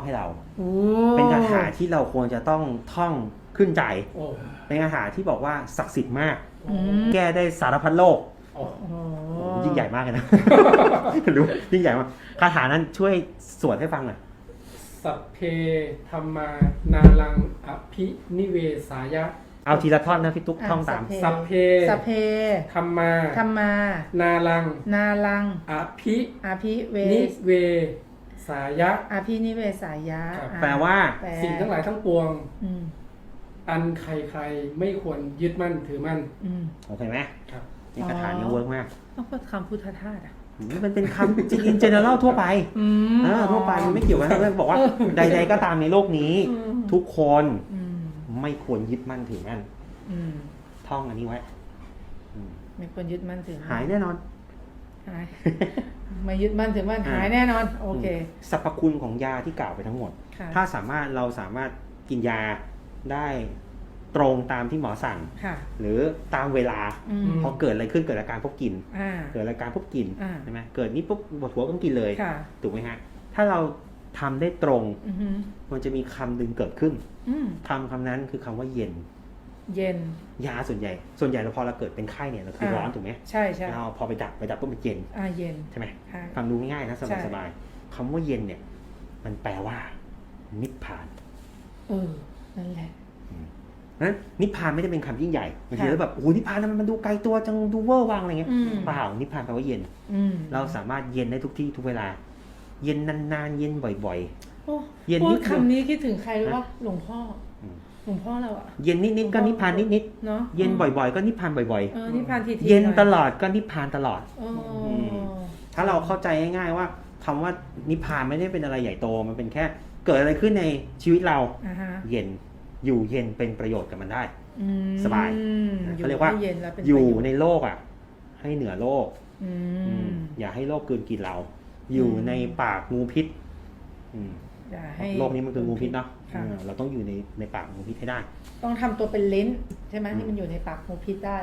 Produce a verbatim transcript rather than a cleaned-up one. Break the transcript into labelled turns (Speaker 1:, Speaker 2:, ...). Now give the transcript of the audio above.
Speaker 1: ให้เราเป็นคาถาที่เราควรจะต้องท่องขึ้นใจเป็นคาถาที่บอกว่าศักดิ์สิทธิ์มากแก้ได้สารพัดโรคยิ่งใหญ่มากเลยนะรู้ยิ่งใหญ่มากคาถานั้นช่วยสวดให้ฟังหน่อย
Speaker 2: สัพเพธัมมานาลังอภินิเวสายะ
Speaker 1: เอาทีละท่อนนะพี่ตุ๊กท่องตาม
Speaker 2: สัพเพ
Speaker 3: สัพเพ
Speaker 2: ธัมมา
Speaker 3: ธัมมา
Speaker 2: นาลัง
Speaker 3: นาลัง
Speaker 2: อภิ
Speaker 3: อภิเว
Speaker 2: นิเวสายะ
Speaker 3: อภินิเวสายะ
Speaker 1: แปลว่า
Speaker 2: สิ่งทั้งหลายทั้งปวงอันใครๆไม่ควรยึดมั่นถือมั่น
Speaker 1: โอเคไหมครับนี่คาถานี้เวิร์กมาก
Speaker 3: ต้องเป็นคำพุทธทาสอ่ะ
Speaker 1: มันเป็นคำจริงๆ general ทั่วไปทั่วไปมันไม่เกี่ยวกับเรื่องบอกว่าใดๆก็ตามในโลกนี้ทุกคนไม่ควรยึดมั่นถือมั่นท่องอันนี้ไว้
Speaker 3: ไม่ควรยึดมั่นถือ
Speaker 1: หายแน่นอน
Speaker 3: หายไม่ยึดมั่นถือมั่นหายแน่นอนโอเค
Speaker 1: สรรพคุณของยาที่กล่าวไปทั้งหมดถ้าสามารถเราสามารถกินยาได้ตรงตามที่หมอสั่งหรือตามเวลาพอเกิดอะไรขึ้นเกิดอาการพบกินเกิดอาการพบกินใช่ไหมเกิดนี้ปุ๊บปวดหัวต้องกินเลยถูกไหมฮะถ้าเราทำได้ตรงมันจะมีคำดึงเกิดขึ้นคำคำนั้นคือคำว่าเย็น
Speaker 3: เย็น
Speaker 1: ยาส่วนใหญ่ส่วนใหญ่เราพอเราเกิดเป็นไข้เนี่ยเราคือร้อนถูกไหม
Speaker 3: ใช่ใช่
Speaker 1: เราพอไปดับไปดับปุ๊บมันเย็น
Speaker 3: อ่าเย็น
Speaker 1: ใช่ไหมฟังดูง่ายๆนะสบายสบายคำว่าเย็นเนี่ยมันแปลว่านิพพาน
Speaker 3: เออนั่นแหละ
Speaker 1: นั้นนิพพานไม่ได้เป็นคำยิ่งใหญ่บางทีเราแบบโอ้นิพพานมันดูไกลตัวจังดูเวอร์วังอะไรเงี้ยเปล่านิพพานแปลว่าเย็นเราสามารถเย็นได้ทุกที่ทุกเวลาเย็นนานๆเย็นบ่อย
Speaker 3: ๆเย็นนิดคำนี้คิดถึงใครรู้ว่าหลวงพ่อหลวงพ่อเราอะ
Speaker 1: เย็นนิดๆก็นิพพานนิดๆเนาะเย็นบ่อยๆก็นิพพานบ่อย
Speaker 3: ๆนิพพานที
Speaker 1: ๆเย็นตลอดก็นิพพานตลอดถ้าเราเข้าใจง่ายๆว่าคำว่านิพพานไม่ได้เป็นอะไรใหญ่โตมันเป็นแค่เกิดอะไรขึ้นในชีวิตเราเย็นอยู่เย็นเป็นประโยชน์กับมันได้สบายเขาเรียกว่าอยู่ในโลกอ่ะให้เหนือโลกอย่าให้โลกกลืนกินเราอยู่ในปากงูพิษโลกนี้มันคืองูพิษเนาะเราต้องอยู่ในในปากงูพิษให้ได้
Speaker 3: ต้องทำตัวเป็นลิ้นใช่ไหมที่มันอยู่ในปากงูพิษได้